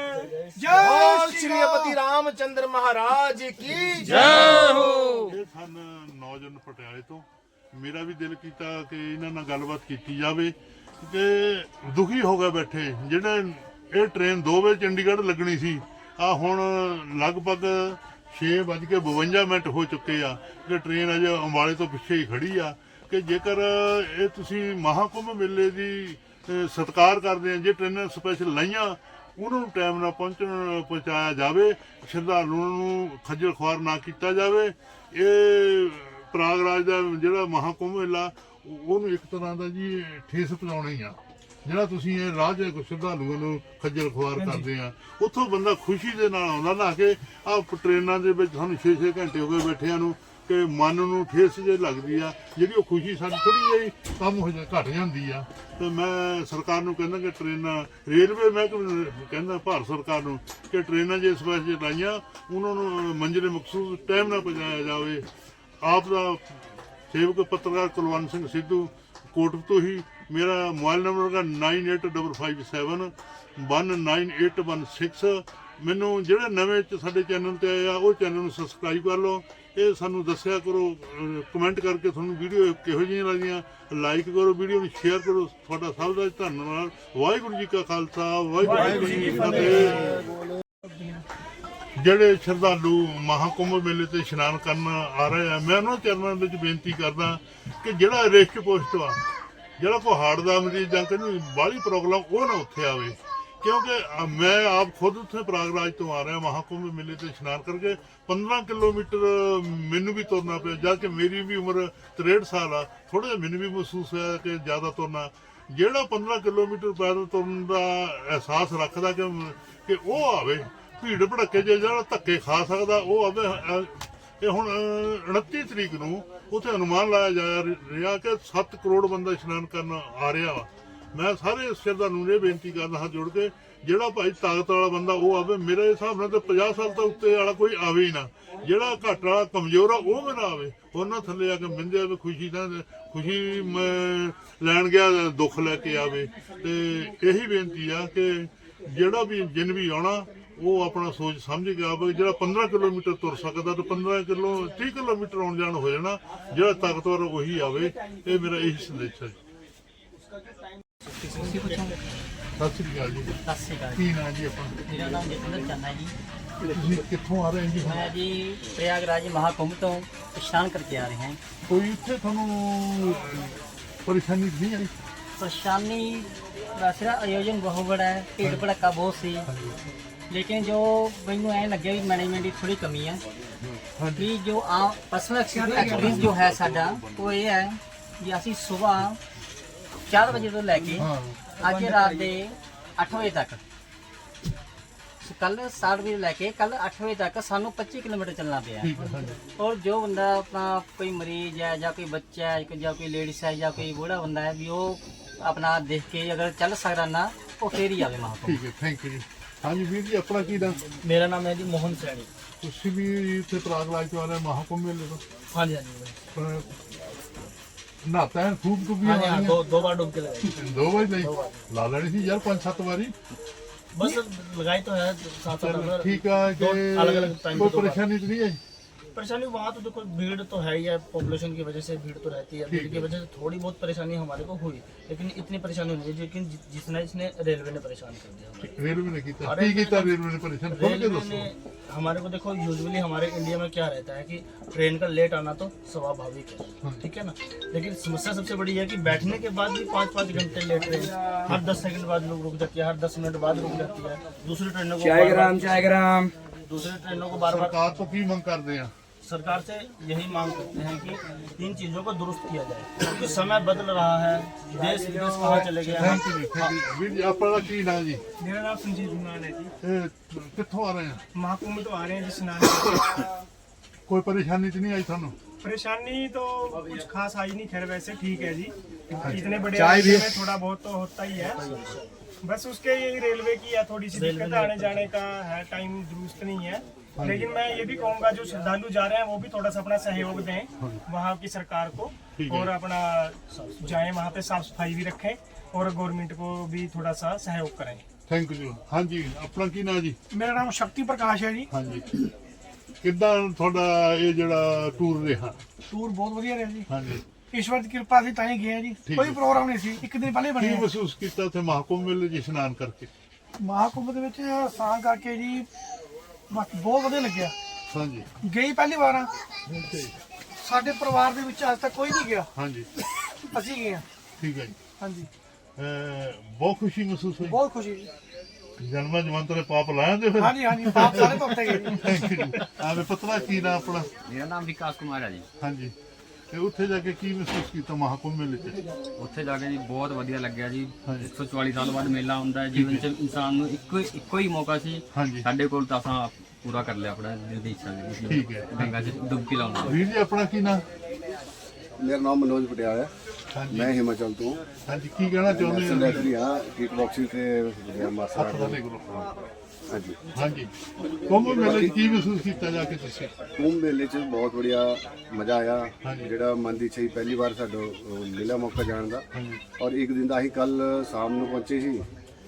Speaker 2: ਜੈ ਸ਼੍ਰੀਪਤੀ ਰਾਮਚੰਦਰ ਮਹਾਰਾਜ ਕੀ ਜੈ ਹੋ।
Speaker 1: ਇਹ ਸਨ ਨੌਜਵਾਨ ਪਟਿਆਲੇ ਤੋਂ। ਮੇਰਾ ਵੀ ਦਿਲ ਕੀਤਾ ਕਿ ਇਹਨਾਂ ਨਾਲ ਗੱਲਬਾਤ ਕੀਤੀ ਜਾਵੇ ਕਿ ਦੁਖੀ ਹੋ ਗਏ ਬੈਠੇ, ਜਿਹੜੇ ਇਹ ਟ੍ਰੇਨ 2 ਵਜੇ ਚੰਡੀਗੜ੍ਹ ਲੱਗਣੀ ਸੀ, ਆ ਹੁਣ ਲਗਭਗ 6:52 ਹੋ ਚੁੱਕੇ ਆ ਕਿ ਟ੍ਰੇਨ ਅਜੇ ਅੰਬਾਲੇ ਤੋਂ ਪਿੱਛੇ ਹੀ ਖੜੀ ਆ। ਕਿ ਜੇਕਰ ਇਹ ਤੁਸੀਂ ਮਹਾਕੁੰਭ ਮੇਲੇ ਦੀ ਸਤਿਕਾਰ ਕਰਦੇ ਆ, ਜੇ ਟ੍ਰੇਨਾਂ ਸਪੈਸ਼ਲ ਲਾਈਆਂ ਉਹਨਾਂ ਨੂੰ ਟਾਈਮ ਨਾਲ ਪਹੁੰਚਾਇਆ ਜਾਵੇ, ਸ਼ਰਧਾਲੂਆਂ ਨੂੰ ਖੱਜਲ ਖੁਆਰ ਨਾ ਕੀਤਾ ਜਾਵੇ। ਇਹ ਪ੍ਰਯਾਗਰਾਜ ਦਾ ਜਿਹੜਾ ਮਹਾਕੁੰਭ ਮੇਲਾ, ਉਹਨੂੰ ਇੱਕ ਤਰ੍ਹਾਂ ਦਾ ਜੀ ਠੇਸ ਪਹੁੰਚਾਉਣਾ ਹੀ ਆ। ਜਿਹੜਾ ਤੁਸੀਂ ਇਹ ਰਾਹ 'ਚ ਸ਼ਰਧਾਲੂਆਂ ਨੂੰ ਖੱਜਲ ਖੁਆਰ ਕਰਦੇ ਆ, ਉੱਥੋਂ ਬੰਦਾ ਖੁਸ਼ੀ ਦੇ ਨਾਲ ਆਉਂਦਾ ਨਾ ਕਿ ਆਹ ਟ੍ਰੇਨਾਂ ਦੇ ਵਿੱਚ ਸਾਨੂੰ 6-6 ਘੰਟੇ ਹੋ ਗਏ ਬੈਠਿਆਂ ਨੂੰ, ਕਿ ਮਨ ਨੂੰ ਠੇਸ ਜੇ ਲੱਗਦੀ ਆ, ਜਿਹੜੀ ਉਹ ਖੁਸ਼ੀ ਸਾਡੀ ਥੋੜੀ ਜਿਹੀ ਕੰਮ ਹੋ ਘਟ ਜਾਂਦੀ ਆ। ਤੇ ਮੈਂ ਸਰਕਾਰ ਨੂੰ ਕਹਿੰਦਾ ਕਿ ਟ੍ਰੇਨਾਂ, ਰੇਲਵੇ ਮਹਿਕਮੇ ਕਹਿੰਦਾ ਭਾਰਤ ਸਰਕਾਰ ਨੂੰ ਕਿ ਟ੍ਰੇਨਾਂ ਜੇ ਇਸ ਪਾਸੇ ਲਾਈਆਂ, ਉਹਨਾਂ ਨੂੰ ਮੰਜ਼ਿਲ ਮਕਸੂਦ ਟਾਈਮ ਨਾਲ ਪਹੁੰਚਾਇਆ ਜਾਵੇ। ਆਪ ਦਾ ਸੇਵਕ ਪੱਤਰਕਾਰ ਕੁਲਵੰਤ ਸਿੰਘ ਸਿੱਧੂ, ਕੋਟਕ ਤੋਂ ਹੀ। ਮੇਰਾ ਮੋਬਾਈਲ ਨੰਬਰ ਹੈ 9855719816। ਮੈਨੂੰ ਜਿਹੜੇ ਨਵੇਂ ਸਾਡੇ ਚੈਨਲ ਤੇ ਆਏ ਆ, ਉਹ ਚੈਨਲ ਨੂੰ ਸਬਸਕ੍ਰਾਈਬ ਕਰ ਲਓ। ਇਹ ਸਾਨੂੰ ਦੱਸਿਆ ਕਰੋ, ਕਮੈਂਟ ਕਰਕੇ ਤੁਹਾਨੂੰ ਵੀਡੀਓ ਕਿਹੋ ਜਿਹੀਆਂ ਲੱਗਦੀਆਂ, ਲਾਈਕ ਕਰੋ, ਵੀਡੀਓ ਨੂੰ ਸ਼ੇਅਰ ਕਰੋ। ਤੁਹਾਡਾ ਸਭ ਦਾ ਧੰਨਵਾਦ। ਵਾਹਿਗੁਰੂ ਜੀ ਕਾ ਖਾਲਸਾ, ਵਾਹਿਗੁਰੂ ਜੀ ਕੀ ਫਤਿਹ। ਜਿਹੜੇ ਸ਼ਰਧਾਲੂ ਮਹਾਕੁੰਭ ਮੇਲੇ ਤੇ ਇਸ਼ਨਾਨ ਕਰਨ ਆ ਰਹੇ ਆ, ਮੈਂ ਉਹਨਾਂ ਚਰਨਾਂ ਵਿੱਚ ਬੇਨਤੀ ਕਰਦਾ ਕਿ ਜਿਹੜਾ ਰਿਸਕ ਪੋਸਟ ਆ, ਜਿਹੜਾ ਕੋਈ ਹਾਰਟ ਦਾ ਮਰੀਜ਼ ਜਾਂ ਕੋਈ ਬਾਹਲੀ ਪ੍ਰੋਬਲਮ, ਉਹ ਨਾ ਉੱਥੇ ਆਵੇ। ਕਿਉਂਕਿ ਮੈਂ ਆਪ ਖੁਦ ਉੱਥੇ ਪ੍ਰਯਾਗਰਾਜ ਤੋਂ ਆ ਰਿਹਾ ਮਹਾਕੁੰਭ ਮੇਲੇ ਤੇ ਇਸ਼ਨਾਨ ਕਰਕੇ। 15 ਕਿਲੋਮੀਟਰ ਮੈਨੂੰ ਵੀ ਤੁਰਨਾ ਪਿਆ, ਜਦ ਕਿ ਮੇਰੀ ਵੀ ਉਮਰ 63 ਸਾਲ ਆ। ਥੋੜਾ ਜਿਹਾ ਮੈਨੂੰ ਵੀ ਮਹਿਸੂਸ ਹੋਇਆ ਕਿ ਜ਼ਿਆਦਾ ਤੁਰਨਾ। ਜਿਹੜਾ 15 ਕਿਲੋਮੀਟਰ ਪੈਦਲ ਤੁਰਨ ਦਾ ਅਹਿਸਾਸ ਰੱਖਦਾ ਕਿ ਉਹ ਆਵੇ, ਭੀੜ ਭੜੱਕੇ ਜਿਹੜਾ ਧੱਕੇ ਖਾ ਸਕਦਾ ਉਹ ਆਵੇ। ਇਹ ਹੁਣ 29 ਤਰੀਕ ਨੂੰ ਉੱਥੇ ਅਨੁਮਾਨ ਲਾਇਆ ਜਾ ਰਿਹਾ ਕਿ 7 ਕਰੋੜ ਬੰਦਾ ਇਸ਼ਨਾਨ ਕਰਨ ਆ ਰਿਹਾ ਵਾ। ਮੈਂ ਸਾਰੇ ਸ਼ਰਧਾਲੂ ਨੂੰ ਇਹ ਬੇਨਤੀ ਕਰਦਾ ਹੱਥ ਜੋੜ ਕੇ, ਜਿਹੜਾ ਭਾਈ ਤਾਕਤ ਵਾਲਾ ਬੰਦਾ ਉਹ ਆਵੇ। ਮੇਰੇ ਹਿਸਾਬ ਨਾਲ ਤਾਂ 50 ਸਾਲ ਤੋਂ ਉੱਤੇ ਵਾਲਾ ਕੋਈ ਆਵੇ ਹੀ ਨਾ। ਜਿਹੜਾ ਘੱਟ ਵਾਲਾ ਕਮਜ਼ੋਰ ਆ ਉਹ ਵੀ ਨਾ ਆਵੇ। ਉਹਨਾਂ ਥੱਲੇ ਆ ਕੇ ਮਿੰਦੇ ਆਵੇ, ਖੁਸ਼ੀ ਲੈਣ ਗਿਆ ਦੁੱਖ ਲੈ ਕੇ ਆਵੇ। ਤੇ ਇਹੀ ਬੇਨਤੀ ਆ ਕਿ ਜਿਹੜਾ ਵੀ ਜਿਨ ਵੀ ਆਉਣਾ ਉਹ ਆਪਣਾ ਸੋਚ ਸਮਝ ਕੇ ਆਵੇ। ਜਿਹੜਾ 15 ਕਿਲੋਮੀਟਰ ਤੁਰ ਸਕਦਾ ਤਾਂ 30 ਕਿਲੋਮੀਟਰ ਆਉਣ ਜਾਣ ਹੋ ਜਾਣਾ। ਜਿਹੜਾ ਤਾਕਤਵਰ ਉਹੀ ਆਵੇ। ਇਹ ਮੇਰਾ ਇਹੀ ਸੰਦੇਸ਼ ਹੈ।
Speaker 3: ਤੁਸੀਂ ਪੁੱਛੋਗੇ?
Speaker 1: ਸਤਿ ਸ੍ਰੀ ਅਕਾਲ ਜੀ।
Speaker 3: ਸਤਿ ਸ਼੍ਰੀ ਅਕਾਲ।
Speaker 1: ਕੀ ਨਾਂ ਜੀ ਆਪਣਾ?
Speaker 3: ਮੇਰਾ ਨਾਮ ਜਤਿੰਦਰ ਚੰਦ ਹੈ ਜੀ।
Speaker 1: ਤੁਸੀਂ ਕਿੱਥੋਂ ਆ ਰਹੇ ਜੀ?
Speaker 3: मैं जी प्रयागराज महाकुंभ तो स्नान करके आ रहे हैं।
Speaker 1: ਕੋਈ ਇੱਥੇ ਤੁਹਾਨੂੰ ਪਰੇਸ਼ਾਨੀ ਨਹੀਂ ਆਈ?
Speaker 3: परेशानी वैसे आयोजन बहुत बड़ा है, भीड़ भड़का बहुत सी, लेकिन जो मैनू ऐ लगे भी मैनेजमेंट की थोड़ी कमी है। कि जो पर्सनल एक्सपीरियंस जो है साडा वो ये है कि असी सुबह 4 बजे तो लैके अज रात के 8 बजे तक, कल 7 बजे लैके कल 8 बजे तक सानू 25 किलोमीटर चलना पिया। और जो बंदा अपना कोई मरीज है या कोई बच्चा है या कोई लेडीज है या कोई बूढ़ा बंदा है भी वो अपना देख के अगर चल सकता ना वो फिर ही आवे महाकुंभ।
Speaker 1: ਠੀਕ ਹੈ, ਥੈਂਕ ਯੂ ਜੀ। ਹਾਂਜੀ ਵੀਰ ਜੀ, ਆਪਣਾ ਕੀ ਨਾਮ?
Speaker 3: मेरा नाम है जी मोहन सैनी।
Speaker 1: ਤੁਸੀਂ ਵੀ ਇੱਥੇ ਪ੍ਰਯਾਗਰਾਜ ਤੋਂ ਆ ਰਹੇ ਮਹਾਕੁੰਭ ਮੇਲੇ ਤੋਂ?
Speaker 3: हाँ जी हाँ जी।
Speaker 1: ਨਹਾਤਾ ਹੈ ਖੂਬ ਡੁੱਬੀਆਂ
Speaker 3: हाँ जी हाँ
Speaker 1: ਵਾਲੀਆਂ
Speaker 3: 2 बार डुबकी लगाई
Speaker 1: 2 ਵਾਰੀ ਲਈ ਲਾ ਲੈਣੀ ਸੀ ਯਾਰ 5-7 ਵਾਰੀ
Speaker 3: बस लगाई तो है साथ
Speaker 1: ਚਲੋ
Speaker 3: साथ
Speaker 1: ਠੀਕ ਆ ਕਿ
Speaker 3: अलग-अलग टाइम
Speaker 1: ਕੋਈ
Speaker 3: पे 2 बार।
Speaker 1: ਪਰੇਸ਼ਾਨੀ ਤਾਂ ਨਹੀਂ ਹੈ
Speaker 3: परेशानी वहाँ तो देखो भीड़ तो है ही है, पॉपुलेशन की वजह से भीड़ तो रहती है, भीड़ की वजह से थोड़ी बहुत परेशानी हमारे को हुई, लेकिन इतनी परेशानी नहीं है लेकिन जितना इसने रेलवे ने परेशान कर दिया हमें।
Speaker 1: ਰੇਲਵੇ ਨੇ ਕੀਤਾ ਕੀ ਕੀਤਾ ਰੇਲਵੇ ਨੇ ਪਰੇਸ਼ਾਨ ਖੋਲ ਕੇ
Speaker 3: रेलवे
Speaker 1: ਦੱਸੋ
Speaker 3: ने हमारे को देखो यूजुअली हमारे इंडिया में क्या रहता है कि ट्रेन का लेट आना तो स्वाभाविक है, ठीक है ना, लेकिन समस्या सबसे बड़ी है कि बैठने के बाद भी 5-5 घंटे लेट ट्रेन हर 10 सेकंड बाद रुक जाती है, हर 10 मिनट बाद रुक जाती है, दूसरी ट्रेनों को दूसरी ट्रेनों को बार बार।
Speaker 1: ਸਰਕਾਰ ਤੋਂ ਕੀ ਮੰਗ ਕਰਦੇ ਆ
Speaker 3: सरकार से यही मांग करते हैं कि इन चीजों को दुरुस्त किया जाए, क्योंकि समय बदल रहा है, देश विदेश कहाँ चले गए हैं।
Speaker 1: ਥੈਂਕ ਯੂ ਵੀਰ ਜੀ ਆਪਣਾ ਕੀ ਨਾਂ ਜੀ
Speaker 4: मेरा नाम संजीव कुमार है जी।
Speaker 1: ਇਹ ਕਿੱਥੋਂ ਆ ਰਹੇ ਆ
Speaker 4: महाकुंभ तो आ रहे हैं जी स्नान।
Speaker 1: ਕੋਈ ਪਰੇਸ਼ਾਨੀ ਤਾਂ ਨਹੀਂ ਆਈ ਤੁਹਾਨੂੰ
Speaker 4: परेशानी तो कुछ खास आई नहीं, खैर वैसे ठीक है जी। इतने बड़े राज्य में थोड़ा बहुत तो होता ही है, बस उसके यही रेलवे की है थोड़ी सी दिक्कत, आने जाने का है, टाइम दुरुस्त नहीं है। लेकिन मैं ये भी कहूँगा जो श्रद्धालु जा रहे हैं वो भी थोड़ा सा अपना सहयोग दें वहाँ की सरकार को, और अपना जाएं वहाँ पे साफ सफाई भी रखें और गवर्नमेंट को भी थोड़ा सा सहयोग करें।
Speaker 1: ਥੈਂਕ ਯੂ ਹਾਂਜੀ ਆਪਣਾ ਕੀ ਨਾਂ ਜੀ
Speaker 4: मेरा नाम शक्ति प्रकाश है जी।
Speaker 1: ਹਾਂਜੀ ਕਿੱਦਾਂ ਤੁਹਾਡਾ ਇਹ ਜਿਹੜਾ ਟੂਰ ਰਿਹਾ
Speaker 4: टूर बहुत वधिया रहा जी,
Speaker 1: ਹਾਂਜੀ
Speaker 4: ईश्वर की कृपा से ताई गए जी,
Speaker 1: ठीक
Speaker 4: कोई
Speaker 1: है।
Speaker 4: ਪ੍ਰੋਗਰਾਮ ਨਹੀਂ ਸੀ, ਇੱਕ ਦਿਨ ਪਹਿਲੇ
Speaker 1: ਕੀ
Speaker 4: ਬਣੇ।
Speaker 1: ਮਹਿਸੂਸ ਕੀਤਾ ਉੱਥੇ ਮਹਾਕੁੰਭ ਮੇਲੇ 'ਚ ਇਸ਼ਨਾਨ ਕਰਕੇ
Speaker 4: ਮਹਾਕੁੰਭ ਦੇ ਵਿੱਚ ਸਾਂ ਕਰਕੇ ਜੀ ਬਸ ਬਹੁਤ ਵਧੀਆ ਲੱਗਿਆ।
Speaker 1: ਹਾਂਜੀ
Speaker 4: ਗਈ ਪਹਿਲੀ ਵਾਰ ਆ, ਸਾਡੇ ਪਰਿਵਾਰ ਦੇ ਵਿੱਚ ਅੱਜ ਤੱਕ ਕੋਈ ਨਹੀਂ ਗਿਆ,
Speaker 1: ਹਾਂਜੀ
Speaker 4: ਅਸੀਂ ਗਏ ਹਾਂ।
Speaker 1: ਠੀਕ ਹੈ ਜੀ
Speaker 4: ਹਾਂਜੀ
Speaker 1: ਬਹੁਤ ਖੁਸ਼ੀ ਮਹਿਸੂਸ ਹੋਈ
Speaker 4: ਬਹੁਤ ਖੁਸ਼ੀ ਜੀ।
Speaker 1: ਜਨਮਾਂ ਜਵੰਤਰੇ ਪਾਪ ਲਾਇਆ ਫਿਰ
Speaker 4: ਹਾਂਜੀ ਹਾਂਜੀ ਆਪ ਸਾਰੇ ਧੋਤੇ ਗਏ ਜੀ।
Speaker 1: ਥੈਂਕ ਯੂ ਆਵੇ ਪਤਲਾ ਕੀ ਨਾ ਆਪਣਾ
Speaker 5: ਮੇਰਾ ਨਾਮ ਵਿਕਾਸ ਕੁਮਾਰ ਹੈ ਜੀ।
Speaker 1: ਹਾਂਜੀ ਤੇ ਉੱਥੇ ਜਾ ਕੇ ਕੀ ਮਹਿਸੂਸ ਕੀਤਾ ਮਹਾਕੁੰਭ ਮੇਲੇ 'ਚ
Speaker 5: ਉੱਥੇ ਜਾ ਕੇ ਜੀ ਬਹੁਤ ਵਧੀਆ ਲੱਗਿਆ ਜੀ।
Speaker 1: ਹਾਂਜੀ।
Speaker 5: 144 ਸਾਲ ਬਾਅਦ ਮੇਲਾ ਹੁੰਦਾ ਹੈ ਜੀਵਨ 'ਚ, ਇਨਸਾਨ ਨੂੰ ਇੱਕੋ ਹੀ ਮੌਕਾ ਸੀ,
Speaker 1: ਹਾਂਜੀ
Speaker 5: ਸਾਡੇ ਕੋਲ ਤਾਂ ਅਸਾਂ ਪੂਰਾ ਕਰ ਲਿਆ ਆਪਣਾ ਦਿਲ ਦੀ ਇੱਛਾ ਜੀ।
Speaker 1: ਠੀਕ ਹੈ।
Speaker 5: ਗੰਗਾ 'ਚ ਡੁਬਕੀ ਲਾਉਣਾ।
Speaker 1: ਵੀਰ ਜੀ ਆਪਣਾ ਕੀ ਨਾ
Speaker 6: ਮੇਰਾ ਨਾਮ ਮਨੋਜ ਪਟਿਆਲਾ ਹੈ।
Speaker 1: ਹਾਂਜੀ
Speaker 6: ਮੈਂ ਹਿਮਾਚਲ ਤੋਂ
Speaker 1: ਹਾਂਜੀ ਕੀ ਕਹਿਣਾ ਚਾਹੁੰਦੇ ਹੋ
Speaker 6: ਸੈਕਟਰੀ ਹਾਂ ਕਿਕ ਬਾਕਸਿੰਗ ਤੇ ਮਾਸਟਰ
Speaker 1: ਹੱਥ ਵਾਲੇ ਕੋਲ
Speaker 6: ਹਾਂਜੀ।
Speaker 1: ਹਾਂਜੀ ਕੁੰਭ ਮੇਲੇ 'ਚ ਕੀ ਮਹਿਸੂਸ ਕੀਤਾ ਜਾ ਕੇ ਤੁਸੀਂ
Speaker 6: ਕੁੰਭ ਮੇਲੇ 'ਚ ਬਹੁਤ ਵਧੀਆ ਮਜ਼ਾ ਆਇਆ।
Speaker 1: ਹਾਂਜੀ।
Speaker 6: ਜਿਹੜਾ ਮਨ ਦੀ ਇੱਛਾ ਸੀ ਪਹਿਲੀ ਵਾਰ ਸਾਡਾ ਮਿਲਿਆ ਮੌਕਾ ਜਾਣ ਦਾ,
Speaker 1: ਹਾਂਜੀ
Speaker 6: ਔਰ ਇੱਕ ਦਿਨ ਦਾ ਅਸੀਂ ਕੱਲ ਸ਼ਾਮ ਨੂੰ ਪਹੁੰਚੇ ਸੀ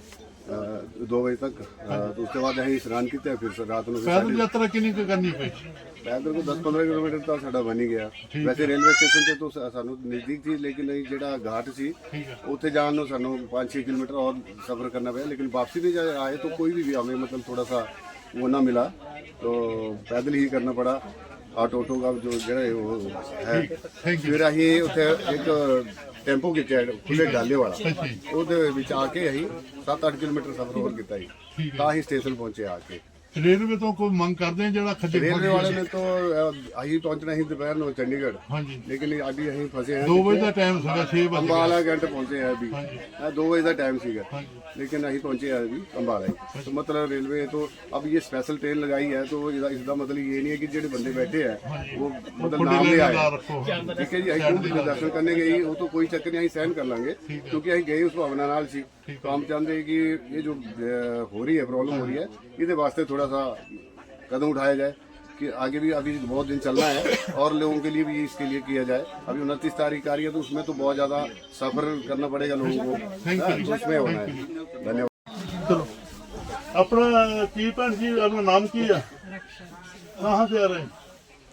Speaker 6: 2 ਵਜੇ ਤੱਕ। ਉਸ ਤੋਂ ਬਾਅਦ ਅਸੀਂ ਇਸ਼ਨਾਨ ਕੀਤਾ, ਫਿਰ ਰਾਤ ਨੂੰ ਫਿਰ
Speaker 1: ਪੈਦਲ ਯਾਤਰਾ ਕਿੰਨੀ ਕੁ ਕਰਨੀ ਪਈ
Speaker 6: ਪੈਦਲ ਕੋ 10-15 ਕਿਲੋਮੀਟਰ ਤਾਂ ਸਾਡਾ ਬਣ ਹੀ ਗਿਆ। ਵੈਸੇ ਰੇਲਵੇ ਸਟੇਸ਼ਨ ਤੇ ਤਾਂ ਸਾਨੂੰ ਨਜ਼ਦੀਕ ਸੀ, ਲੇਕਿਨ ਇਹ ਜਿਹੜਾ ਘਾਟ ਸੀ
Speaker 1: ਠੀਕ ਹੈ
Speaker 6: ਉੱਥੇ ਜਾਣ ਨੂੰ ਸਾਨੂੰ 5-6 किलोमीटर और सफ़र करना पड़ा, लेकिन वापसी में जब आए तो कोई भी हमें मतलब थोड़ा सा वो ना मिला, तो पैदल ही करना पड़ा। ऑटो का जो जरा वो है,
Speaker 1: थैंक यू
Speaker 6: फिर अं उत्थे एक टेंपो खिंचा खुले डाले वाला, ਉਹਦੇ ਵਿੱਚ ਆ ਕੇ ਅਸੀਂ 7-8 किलोमीटर सफ़र और ਕੀਤਾ ਜੀ, ਤਾਂ ਹੀ ਸਟੇਸ਼ਨ ਪਹੁੰਚੇ ਆ ਕੇ।
Speaker 1: ਰੇਲਵੇ ਤੋਂ ਕੋਈ ਮੰਗ ਕਰਦੇ ਆ ਜਿਹੜਾ ਖੱਜਲ
Speaker 6: रेलवे
Speaker 1: ਖੁਆਰੀ
Speaker 6: वाले ने तो ਅਸੀਂ ਪਹੁੰਚਣਾ ਸੀ ਦੁਪਹਿਰ ਨੂੰ ਚੰਡੀਗੜ੍ਹ,
Speaker 1: ਹਾਂਜੀ
Speaker 6: लेकिन अभी ਅਸੀਂ फंसे हैं
Speaker 1: 2 ਵਜੇ ਦਾ ਟਾਈਮ ਸੀਗਾ 6 ਵਜੇ
Speaker 6: अंबाला घंटे पहुंचे हैं अभी, 2 बजे का टाइम सीगा,
Speaker 1: ਹਾਂਜੀ
Speaker 6: लेकिन अभी पहुंचे हैं अभी अंबाला ही। तो मतलब रेलवे तो अब ये स्पेशल ट्रेन लगाई है, तो इसका मतलब ये नहीं है कि जो बंदे बैठे हैं वो मतलब नाम ले आए,
Speaker 1: ਰੱਖੋ
Speaker 6: ठीक है जी। अभी कुंभ के दर्शन करने गए वो तो कोई चक्कर नहीं, सहन कर लेंगे क्योंकि अभी गए उस भावना नाल सी। तो हम चाहते हैं कि ये जो हो रही है प्रॉब्लम हो रही है, इसके वास्ते थोड़ा सा कदम उठाया जाए कि आगे भी अभी बहुत दिन चलना है और लोगों के लिए भी इसके लिए किया जाए। अभी 29 तारीख आ रही है, तो उसमें तो बहुत ज़्यादा सफ़र करना पड़ेगा लोगों को, तो उसमें होना है। धन्यवाद।
Speaker 1: ਚਲੋ ਆਪਣਾ ਕੀ ਭੈਣ ਜੀ ਆਪਣਾ ਨਾਮ ਕੀ ਆ ਕਹਾਂ से आ रहे हैं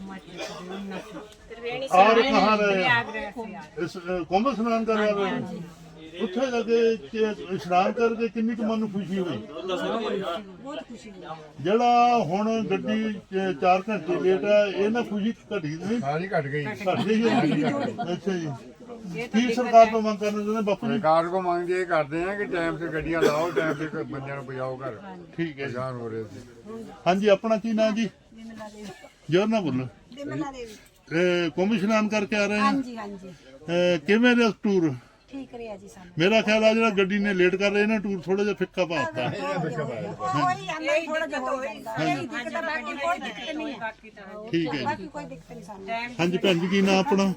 Speaker 1: और कहाँ रहे हैं इस कुंभ स्नान कर रहे हैं ਉੱਥੇ ਜਾ ਕੇ ਇਸ਼ਨਾਨ ਕਰਕੇ ਕਿੰਨੀ ਕੁ ਮਨ ਨੂੰ ਖੁਸ਼ੀ ਹੋਈ
Speaker 7: ਬਹੁਤ ਖੁਸ਼ੀ ਹੋਈ।
Speaker 1: ਜਿਹੜਾ ਹੁਣ ਗੱਡੀ 4 ਘੰਟੇ ਲੇਟ ਹੈ ਇਹ ਨਾ ਖੁਸ਼ੀ ਘਟੀ ਨਹੀਂ
Speaker 8: ਸਾਰੀ ਘਟ ਗਈ
Speaker 1: ਘਟ ਗਈ ਹੈ। ਅੱਛਾ ਜੀ ਕੀ ਸਰਕਾਰ ਤੋਂ ਮੰਗ ਕਰਨਾ ਚਾਹੁੰਦੇ ਬਾਪੂ ਜੀ
Speaker 8: ਸਰਕਾਰ ਕੋ ਮੰਗ ਇਹ ਕਰਦੇ ਆ ਕਿ ਟਾਈਮ ਸੇ ਗੱਡੀਆਂ ਲਾਓ, ਟਾਈਮ ਸੇ ਬੰਦਿਆਂ ਨੂੰ ਪਹੁੰਚਾਓ ਘਰ।
Speaker 1: ਠੀਕ ਹੈ ਜੀ।
Speaker 8: ਜਾਨ ਹੋ ਰਹੇ ਸੀ।
Speaker 1: ਹਾਂਜੀ ਆਪਣਾ ਕੀ ਨਾਂ ਜੀ
Speaker 7: ਬਿਮਲਾ ਦੇਵੀ।
Speaker 1: ਜੋਰ ਨਾ ਬੋਲੋ
Speaker 7: ਬਿਮਲਾ ਦੇਵੀ।
Speaker 1: ਕੁੰਭ ਇਸ਼ਨਾਨ ਕਰਕੇ ਆ ਰਹੇ ਹਾਂ
Speaker 7: ਹਾਂਜੀ ਹਾਂਜੀ
Speaker 1: ਕਿਵੇਂ ਰਿਹਾ ਟੂਰ
Speaker 7: ਠੀਕ ਰਿਹਾ ਜੀ ਸਾਨੂੰ।
Speaker 1: ਮੇਰਾ ਖਿਆਲ ਆ ਜਿਹੜਾ ਗੱਡੀ ਨੇ ਲੇਟ ਕਰ ਰਹੇ ਨਾ ਟੂਰ ਥੋੜਾ ਜਿਹਾ ਫਿੱਕਾ ਪਾਤਾ
Speaker 7: ਕੋਈ ਅੰਦਰ ਥੋੜਾ ਜਿਹਾ ਹੋ ਜਾਂਦਾ ਹੈ। ਦਿੱਕਤ ਤਾਂ ਬਾਕੀ ਕੋਈ ਦਿੱਕਤ ਨਹੀਂ ਹੈ।
Speaker 1: ਠੀਕ ਹੈ ਜੀ
Speaker 7: ਬਾਕੀ ਕੋਈ ਦਿੱਕਤ ਨਹੀਂ ਸਾਨੂੰ।
Speaker 1: ਹਾਂਜੀ ਭੈਣ ਜੀ ਕੀ ਨਾਂ ਆਪਣਾ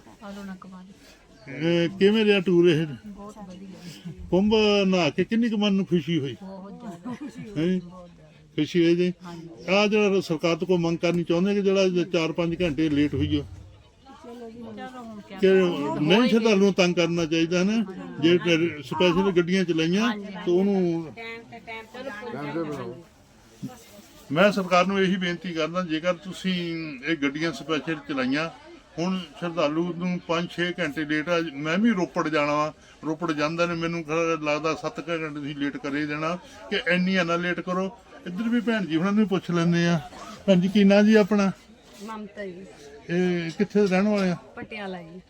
Speaker 1: ਕਿਵੇਂ ਰਿਹਾ ਟੂਰ ਇਹ ਕੁੰਭ ਨਹਾ ਕੇ ਕਿੰਨੀ ਕੁ ਮਨ ਨੂੰ ਖੁਸ਼ੀ ਹੋਈ ਹੈਂ? ਖੁਸ਼ੀ ਹੋਈ ਜੀ ਆ ਜਿਹੜਾ ਸਰਕਾਰ ਤੋਂ ਕੋਈ ਮੰਗ ਕਰਨੀ ਚਾਹੁੰਦੇ ਕਿ ਜਿਹੜਾ 4-5 ਘੰਟੇ ਲੇਟ ਹੋਈ ਆ
Speaker 7: ਚਲੋ ਜੀ
Speaker 1: ਕਿ ਨਹੀਂ ਸ਼ਰਧਾਲੂ ਨੂੰ ਤੰਗ ਕਰਨਾ ਚਾਹੀਦਾ ਨਾ, ਜੇ ਸਪੈਸ਼ਲ ਗੱਡੀਆਂ ਚਲਾਈਆਂ ਤਾਂ ਉਹਨੂੰ ਮੈਂ ਸਰਕਾਰ ਨੂੰ ਇਹੀ ਬੇਨਤੀ ਕਰਦਾ, ਜੇਕਰ ਤੁਸੀਂ ਇਹ ਗੱਡੀਆਂ ਸਪੈਸ਼ਲ ਚਲਾਈਆਂ, ਹੁਣ ਸ਼ਰਧਾਲੂ ਨੂੰ 5-6 ਘੰਟੇ ਲੇਟ ਆ, ਮੈਂ ਵੀ ਰੋਪੜ ਜਾਣਾ ਵਾ, ਰੋਪੜ ਜਾਂਦਾ ਨੇ ਮੈਨੂੰ ਲੱਗਦਾ 7 ਘੰਟੇ ਤੁਸੀਂ ਲੇਟ ਕਰੇ ਦੇਣਾ, ਕਿ ਇੰਨੀਆਂ ਨਾ ਲੇਟ ਕਰੋ। ਇੱਧਰ ਵੀ ਭੈਣ ਜੀ ਉਹਨਾਂ ਨੂੰ ਵੀ ਪੁੱਛ ਲੈਂਦੇ ਆ। ਭੈਣ ਜੀ ਕੀ ਨਾਂ ਜੀ ਆਪਣਾ?
Speaker 7: ਮਮਤਾ ਜੀ,
Speaker 1: ਇਹ ਕਿੱਥੇ ਰਹਿਣ ਵਾਲੇ ਆ?
Speaker 7: ਪਟਿਆਲਾ ਜੀ।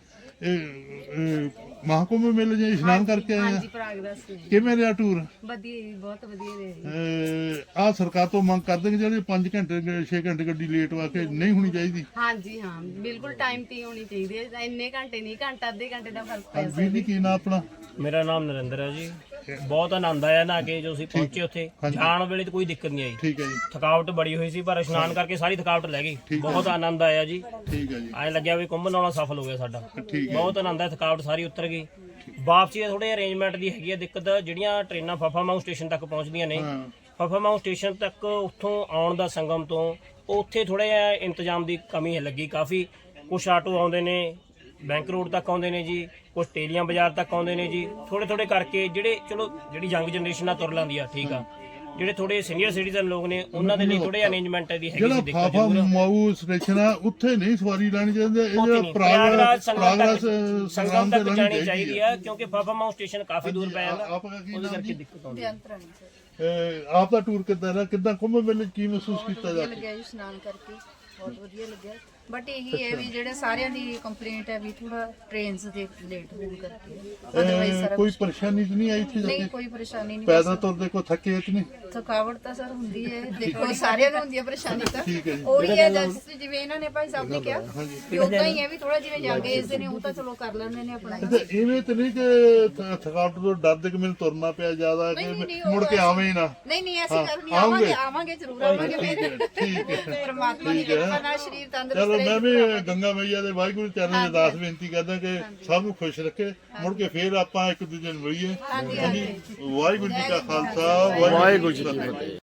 Speaker 1: ਇਹ ਮਹਾਕੁੰਭ ਮੇਲੇ ਜੇ ਇਸ਼ਨਾਨ ਕਰਕੇ ਆਏ ਆ,
Speaker 7: ਹਾਂਜੀ, ਪ੍ਰਾਗਦਾਸ ਜੀ।
Speaker 1: ਕਿਵੇਂ ਰਿਹਾ ਟੂਰ?
Speaker 7: ਵਧੀਆ ਜੀ, ਬਹੁਤ ਵਧੀਆ ਰਿਹਾ ਜੀ।
Speaker 1: ਆ ਸਰਕਾਰ ਤੋਂ ਮੰਗ ਕਰਦੇ ਕਿ ਜਿਹੜੇ 5 ਘੰਟੇ 6 ਘੰਟੇ ਗੱਡੀ ਲੇਟ ਵਾ ਕੇ ਨਹੀਂ ਹੋਣੀ ਚਾਹੀਦੀ।
Speaker 7: ਹਾਂਜੀ ਹਾਂ, ਬਿਲਕੁਲ ਟਾਈਮ ਤੇ ਹੋਣੀ ਚਾਹੀਦੀ ਹੈ। ਇੰਨੇ ਘੰਟੇ ਨਹੀਂ, ਘੰਟਾ ਅੱਧੇ ਘੰਟੇ ਦਾ ਫਰਕ ਪੈ
Speaker 1: ਵੀਰ ਜੀ ਕੀ ਨਾਂ ਆਪਣਾ?
Speaker 9: ਮੇਰਾ ਨਾਮ ਨਰਿੰਦਰ ਹੈ ਜੀ। ਬਹੁਤ ਆਨੰਦ ਆਇਆ ਨਾ ਕਿ ਜੋ ਅਸੀਂ ਪਹੁੰਚੇ ਉੱਥੇ, ਜਾਣ ਵੇਲੇ ਤਾਂ ਕੋਈ ਦਿੱਕਤ ਨਹੀਂ ਆਈ।
Speaker 1: ਠੀਕ ਹੈ ਜੀ,
Speaker 9: ਥਕਾਵਟ ਬੜੀ ਹੋਈ ਸੀ ਪਰ ਇਸ਼ਨਾਨ ਕਰਕੇ ਸਾਰੀ ਥਕਾਵਟ ਲੈ ਗਈ। ਬਹੁਤ ਆਨੰਦ ਆਇਆ ਜੀ।
Speaker 1: ਠੀਕ ਹੈ ਜੀ,
Speaker 9: ਐਂ ਲੱਗਿਆ ਵੀ ਕੁੰਭ ਨਾਲੋਂ ਸਫਲ ਹੋ ਗਿਆ ਸਾਡਾ।
Speaker 1: ਠੀਕ ਹੈ।
Speaker 9: ਬਹੁਤ ਆਨੰਦ ਆਇਆ, ਥਕਾਵਟ ਸਾਰੀ ਉਤਰ ਗਈ। ਵਾਪਸੀ ਥੋੜੇ ਅਰੇਂਜਮੈਂਟ ਦੀ ਹੈਗੀ ਹੈ ਦਿੱਕਤ, ਜਿਹੜੀਆਂ ਟ੍ਰੇਨਾਂ ਫਫਾਮਾਊ ਸਟੇਸ਼ਨ ਤੱਕ ਪਹੁੰਚਦੀਆਂ ਨੇ, ਫਫਾਮਾਊ ਸਟੇਸ਼ਨ ਤੱਕ ਉੱਥੋਂ ਆਉਣ ਦਾ ਸੰਗਮ ਤੋਂ ਉੱਥੇ ਥੋੜਾ ਜਿਹਾ ਇੰਤਜ਼ਾਮ ਦੀ ਕਮੀ ਲੱਗੀ ਕਾਫੀ। ਕੁਛ ਆਟੋ ਆਉਂਦੇ ਨੇ ਬੈਂਕ ਰੋਡ ਤੱਕ ਆਉਂਦੇ ਨੇ ਜੀ, ਕੁਛ ਟੇਲੀਆਂ ਬਾਜ਼ਾਰ ਤੱਕ ਆਉਂਦੇ ਨੇ ਜੀ। ਥੋੜੇ ਕਰਕੇ ਜਿਹੜੇ ਚਲੋ ਜਿਹੜੀ ਯੰਗ ਜਨਰੇਸ਼ਨ ਆ ਤੁਰ ਲੈਂਦੀ ਆ, ਠੀਕ ਆ। ਜਿਹੜੇ ਥੋੜੇ ਸੀਨੀਅਰ ਸਿਟੀਜ਼ਨ ਲੋਕ ਨੇ ਉਹਨਾਂ ਦੇ ਲਈ ਥੋੜੇ ਅਰੇਂਜਮੈਂਟ ਦੀ ਹੈਗੀ
Speaker 1: ਜਿਹੜਾ
Speaker 9: ਸੀ ਦਿੱਕਤ
Speaker 1: ਫਾਫਾ
Speaker 9: ਜ਼ਰੂਰ।
Speaker 1: ਮਾਊ ਸਟੇਸ਼ਨ ਆ ਉੱਥੇ ਨਹੀਂ ਸਵਾਰੀ ਲੈਣੀ ਚਾਹੀਦੀ, ਇਹ
Speaker 9: ਉੱਥੇ
Speaker 1: ਜਿਹੜਾ
Speaker 9: ਨਹੀਂ, ਪ੍ਰਯਾਗਰਾਜ
Speaker 1: ਸੰਗਮ
Speaker 9: ਸੰਗਮ ਤੱਕ
Speaker 1: ਤੇ
Speaker 9: ਜਾਣੀ ਚਾਹੀਦੀ ਆ, ਕਿਉਂਕਿ ਫਾਫਾਮਾਊ ਸਟੇਸ਼ਨ ਕਾਫੀ ਦੂਰ ਪੈ ਜਾਂਦਾ,
Speaker 1: ਆਪ ਦਾ ਕੀ
Speaker 9: ਉਹਦੇ
Speaker 1: ਨਾਮ
Speaker 9: ਕਰਕੇ
Speaker 1: ਜੀ?
Speaker 9: ਦਿੱਕਤ ਆਉਂਦੀ ਹੈ।
Speaker 1: ਆਪ ਦਾ ਟੂਰ ਕਿੱਦਾਂ ਰਿਹਾ? ਕਿੱਦਾਂ ਕੁੰਭ ਮੇਲੇ 'ਚ ਕੀ ਮਹਿਸੂਸ ਕੀਤਾ ਜਾ ਕੇ?
Speaker 10: ਲੱਗਿਆ ਜੀ ਇਸ਼ਨਾਨ ਕਰਕੇ, ਬਹੁਤ ਵਧੀਆ ਲੱਗਿਆ। ਬਟ ਇਹੀ ਹੈ ਵੀ ਜਿਹੜੇ ਸਾਰਿਆਂ ਦੀ ਕੰਪਲੇਂਟ ਹੈ ਵੀ ਥੋੜਾ ਟ੍ਰੇਨਸ ਦੇ ਲੇਟ ਹੋਣ ਕਰਕੇ, ਅਦਰਵਾਈਜ਼ ਸਾਰਾ
Speaker 1: ਕੋਈ ਪਰੇਸ਼ਾਨੀ ਤਾਂ ਨਹੀਂ ਆਈ ਇੱਥੇ ਜਾ
Speaker 10: ਨਹੀਂ,
Speaker 1: ਕੇ?
Speaker 10: ਕੋਈ ਪਰੇਸ਼ਾਨੀ ਨਹੀਂ।
Speaker 1: ਪੈਦਲ ਤੁਰਦੇ ਕੋਈ ਥੱਕੇ ਕਿ ਨਹੀਂ?
Speaker 10: ਥਕਾਵਟ ਤਾਂ ਸਰ ਹੁੰਦੀ ਹੈ, ਦੇਖੋ ਸਾਰਿਆਂ ਨੂੰ ਹੁੰਦੀ ਹੈ ਪਰੇਸ਼ਾਨੀ ਤਾਂ।
Speaker 1: ਠੀਕ ਹੈ ਜੀ।
Speaker 10: ਉਹੀ ਹੈ ਜਿਵੇਂ ਇਹਨਾਂ ਨੇ ਭਾਈ ਸਾਹਿਬ ਨੇ ਕਿਹਾ ਵੀ ਉਦਾਂ ਹੀ ਹੈ ਵੀ ਥੋੜਾ ਜਿਵੇਂ ਯੰਗ ਏਜ ਦੇ ਨੇ ਉਹ ਤਾਂ ਚਲੋ ਕਰ ਲੈਂਦੇ ਨੇ ਆਪਣਾ।
Speaker 1: ਤੇ ਇਵੇਂ ਤਾਂ ਨਹੀਂ ਕਿ ਥਕਾਵਟ ਤੋਂ ਡਰਦੇ ਕਿ ਮੈਨੂੰ ਤੁਰਨਾ ਪਿਆ ਜ਼ਿਆਦਾ, ਕਿ
Speaker 10: ਨਹੀਂ,
Speaker 1: ਮੁੜ ਕੇ ਆਵੇਂ ਹੀ ਨਾ?
Speaker 10: ਨਹੀਂ ਨਹੀਂ, ਐਸੀ ਗੱਲ ਨਹੀਂ, ਆਵਾਂਗੇ ਆਵਾਂਗੇ ਜ਼ਰੂਰ ਆਵਾਂਗੇ। ਮੇਰੇ
Speaker 1: ਠੀਕ ਹੈ,
Speaker 10: ਪਰਮਾਤਮਾ ਦੀ ਕਿਰਪਾ ਨਾਲ ਸਰੀਰ ਤੰਦਰੁਸਤ
Speaker 1: ਚਲੋ
Speaker 10: ਰਹੇ।
Speaker 1: ਮੈਂ ਵੀ ਗੰਗਾ ਮਈਆ ਦੇ ਵਾਹਿਗੁਰੂ ਚਰਨ ਦੇ ਅਰਦਾਸ ਬੇਨਤੀ ਕਰਦਾ ਕਿ ਸਭ ਨੂੰ ਖੁਸ਼ ਰੱਖੇ, ਮੁੜ ਕੇ ਫੇਰ ਆਪਾਂ ਇੱਕ ਦੂਜੇ ਨੂੰ ਮਿਲੀਏ। ਵਾਹਿਗੁਰੂ ਜੀ ਕਾ ਖਾਲਸਾ, ਵਾਹਿਗੁਰੂ ਜੀ ਕੀ ਫਤਿਹ।